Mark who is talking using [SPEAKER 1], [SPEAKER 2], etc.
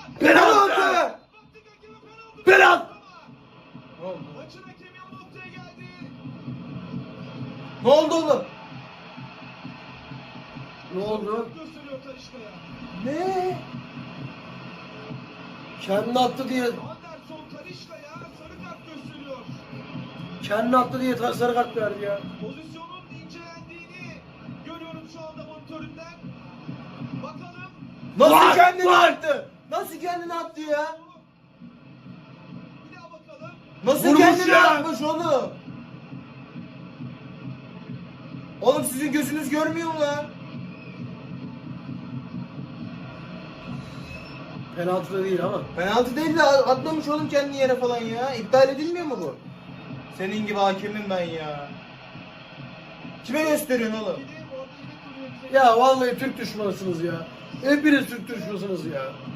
[SPEAKER 1] Penaltı! Penaltı! Ne oldu?
[SPEAKER 2] Maçın hakemi o noktaya geldi.
[SPEAKER 1] Ne oldu oğlum? Ne oldu?
[SPEAKER 2] Gösteriyor Talişka'ya.
[SPEAKER 1] Ne? Kendi attı diye,
[SPEAKER 2] Anderson Talişka'ya sarı kart gösteriyor.
[SPEAKER 1] kendi attı diye sarı kart verdi ya.
[SPEAKER 2] Pozisyonun incelendiğini görüyorum şu anda monitörümden. Bakalım.
[SPEAKER 1] Nasıl
[SPEAKER 3] Var,
[SPEAKER 1] kendini
[SPEAKER 3] var.
[SPEAKER 1] attı? Nasıl kendini attı ya?
[SPEAKER 2] Bir daha bakalım.
[SPEAKER 1] Nasıl
[SPEAKER 3] Vurmuş
[SPEAKER 1] kendini
[SPEAKER 3] ya.
[SPEAKER 1] atmış oğlum? Oğlum sizin gözünüz görmüyor mu lan?
[SPEAKER 3] Penaltı da değil ama.
[SPEAKER 1] Penaltı değil de atmamış oğlum kendini yere falan ya. İptal edilmiyor mu bu? Senin gibi hakemim ben ya. Kime gösteriyorsun oğlum?
[SPEAKER 2] Bir de orada yine duruyor bize.
[SPEAKER 3] Ya vallahi Türk düşmanısınız ya. Hepiniz Türk düşmanısınız ya.